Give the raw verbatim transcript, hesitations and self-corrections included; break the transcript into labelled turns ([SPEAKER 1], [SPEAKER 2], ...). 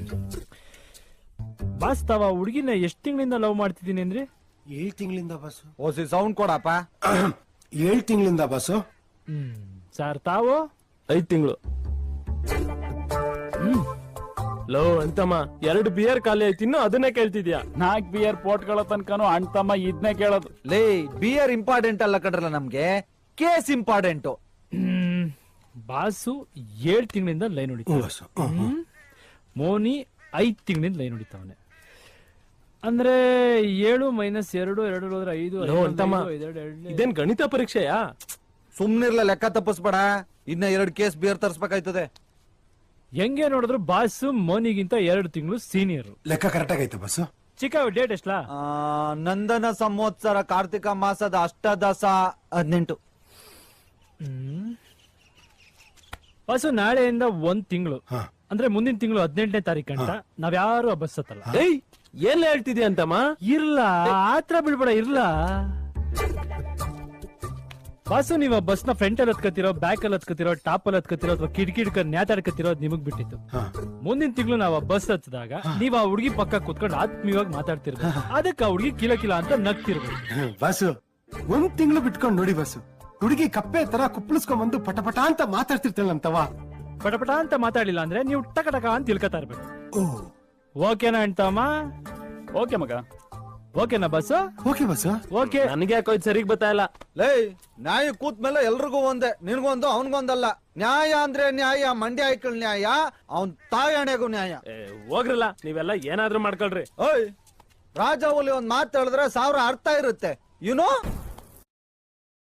[SPEAKER 1] Boss ತಾವ ಹುಡುಗಿನ ಎಷ್ಟ್ ತಿಂಗಳಿಂದ ಲವ್ ಮಾಡ್ತಿದ್ದೀನಿ ಅಂದ್ರೆ?
[SPEAKER 2] ಏಳ್ ತಿಂಗಳಿಂದ ಬಾಸು.
[SPEAKER 3] ಓಸಿ ಸೌಂಡ್ ಕೊಡಪ್ಪ.
[SPEAKER 2] ಏಳ್ ತಿಂಗಳಿಂದ ಬಾಸು.
[SPEAKER 1] ಹ್ಮ್ ಸರ್ ತಾವು?
[SPEAKER 4] ಐದ್ ತಿಂಗಳು.
[SPEAKER 1] ಹ್ಮ್
[SPEAKER 4] ಲೋ ಅಂತಮ್ಮ, ಎರಡು ಬಿಯರ್ ಖಾಲಿ ಆಯ್ತು, ಇನ್ನು ಅದನ್ನೇ ಕೇಳ್ತಿದ್ಯಾ?
[SPEAKER 5] ನಾಲ್ಕ್ ಬಿಯರ್ ಪೋಟ್ಗಳ ತನಕನು ಅಣ್ತಮ್ಮ ಇದನ್ನೇ ಕೇಳೋದು.
[SPEAKER 3] ಲೇ ಬಿಯರ್ ಇಂಪಾರ್ಟೆಂಟ್ ಅಲ್ಲ ಕಣ್ರಲ್ಲ ನಮ್ಗೆ, ಕೇಸ್ ಇಂಪಾರ್ಟೆಂಟು.
[SPEAKER 1] ಹ್ಮ್ ಬಾಸು ಏಳ್ ತಿಂಗಳಿಂದ ಲೈನ್ ಹೊಡಿತಾವ.
[SPEAKER 2] ಬಾಸು. ಹ್ಮ್, ಹ್ಮ್.
[SPEAKER 1] ಮೋನಿ ಐದ್ ತಿಂಗಳಿಂದ ಲೈನ್ ಹೊಡಿತಾವನೆ. ಅಂದ್ರೆ ಏಳು ಮೈನಸ್ ಎರಡು ಎರಡು ಹೋದ್ರೆ ಐದು.
[SPEAKER 4] ಲೋ ಅಂತಮ್ಮ, ಇದೇನ್ ಗಣಿತ ಪರೀಕ್ಷೆಯಾ?
[SPEAKER 3] ಸುಮ್ನಿರ್ಲ, ಲೆಕ್ಕ ತಪ್ಪಿಸ್ಬೇಡ. ಇನ್ನ ಎರಡು ಕೇಸ್ ಬಿಯರ್ ತರ್ಸ್ಬೇಕಾಯ್ತದೆ.
[SPEAKER 1] ಹೆಂಗೆ ನೋಡಿದ್ರು ಬಾಸು ಮೋನಿಗಿಂತ ಎರಡು ತಿಂಗಳು ಸೀನಿಯರ್.
[SPEAKER 2] ಲೆಕ್ಕ ಕರೆಕ್ಟ್ ಆಗೈತೆ ಬಾಸು.
[SPEAKER 1] ಚಿಕ್ಕ ಡೇಟ್ ಎಷ್ಟಲಾ?
[SPEAKER 3] ಆ, ನಂದನ ಸಂವತ್ಸರ ಕಾರ್ತಿಕ ಮಾಸದ ಅಷ್ಟದಶ ಹದಿನೆಂಟು.
[SPEAKER 1] ಹ್ಮ್ ಬಾಸು ನಾಳೆಯಿಂದ ಒಂದ್ ತಿಂಗಳು,
[SPEAKER 2] ಹಾ.
[SPEAKER 1] ಅಂದ್ರೆ ಮುಂದಿನ ತಿಂಗಳು ಹದಿನೆಂಟನೇ ತಾರೀಕು ಅಂತ ನಾವ್ಯಾರು ಬಸ್ ಹತ್ತಲ್ಲ.
[SPEAKER 4] ಏಯ್ ಏನ್ ಹೇಳ್ತಿದ್ಯಾ ಅಂತಮ್ಮ?
[SPEAKER 1] ಇರ್ಲ ಆತ್ರ ಬಿಡ್ಬೇಡ, ಇರ್ಲ ಬಾಸು. ನೀವು ಬಸ್ ನ ಫ್ರಂಟ್ ಅಲ್ಲಿ ಹತ್ಕತಿರೋ, ಬ್ಯಾಕ್ ಅಲ್ಲಿ ಹತ್ಕತಿರೋ, ಟಾಪ್ ಅಲ್ಲಿ ಹತ್ಕತಿರೋ, ಅಥವಾ ಕಿಟಕಿ ಹಿಡ್ಕೊಂಡು ನ್ಯಾತಾಡ್ಕತಿರೋ, ನಿಮಗ್ ಬಿಟ್ಟಿತ್ತು.
[SPEAKER 2] ಹಾ.
[SPEAKER 1] ಮುಂದಿನ ತಿಂಗಳು ನಾವು ಬಸ್ ಹತ್ತಿದಾಗ ನೀವ್ ಆ ಹುಡುಗಿ ಪಕ್ಕ ಕುತ್ಕೊಂಡು ಆತ್ಮೀಯವಾಗಿ ಮಾತಾಡ್ತಿರ್ಬೇಕು. ಅದಕ್ಕೆ ಆ ಹುಡುಗಿ ಕಿಲ ಕಿಲ ಅಂತ ನಗ್ತಿರ್ಬೇಕು.
[SPEAKER 2] ಹ್ಮ್, ಬಾಸು ಒಂದ್ ತಿಂಗಳು ಬಿಟ್ಕೊಂಡ್ ನೋಡಿ ಬಾಸು, ಹುಡುಗಿ ಕಪ್ಪೆ ತರ ಕುಪ್ಪಳಿಸ್ಕೊಂಡ್ ಬಂದು ಪಟ ಪಟ ಅಂತ ಮಾತಾಡ್ತಿರ್ತಾಳ ಅಂತವ.
[SPEAKER 1] ಪಟಪಟ ಅಂತ ಮಾತಾಡಿಲ್ಲ ಅಂದ್ರೆ ನೀವು ಟಕ ಟಕ ಅಂತ ತಿಳ್ಕೊತಾ ಇರ್ಬೇಕು.
[SPEAKER 2] ಓ
[SPEAKER 1] ಓಕೆನಾ ಅಂತಮ್ಮ?
[SPEAKER 5] ಓಕೆ ಮಗ.
[SPEAKER 1] ಓಕೆನಾ ಬಸ್?
[SPEAKER 2] Okay boss.
[SPEAKER 1] ಓಕೆ.
[SPEAKER 4] ನನಗೆ ಯಾಕೋ ಇದು ಸರಿಗ್ ಬರ್ತಾ ಇಲ್ಲ.
[SPEAKER 3] ಲೇ ನ್ಯಾಯ ಕೂತ್ ಮೇಲೆ ಎಲ್ರಿಗೂ ಒಂದೇ, ನಿನ್ಗೊಂದು ಅವನ್ಗೊಂದಲ್ಲ. ನ್ಯಾಯ ಅಂದ್ರೆ ನ್ಯಾಯ, ಮಂಡ್ಯ ಐಕಳ್ ನ್ಯಾಯ, ಅವನ್ ತಾಯಣೆಗೂ ನ್ಯಾಯ.
[SPEAKER 4] ಏ, ಹೋಗ್ರಲ್ಲ, ನೀವೆಲ್ಲ ಏನಾದ್ರೂ ಮಾಡ್ಕೊಳ್ರಿ.
[SPEAKER 3] ಓಯ್, ರಾಜ ಹುಲಿ ಒಂದ್ ಮಾತು ಹೇಳಿದ್ರೆ ಸಾವಿರ ಅರ್ಥ ಇರುತ್ತೆ, ಯುನೋ.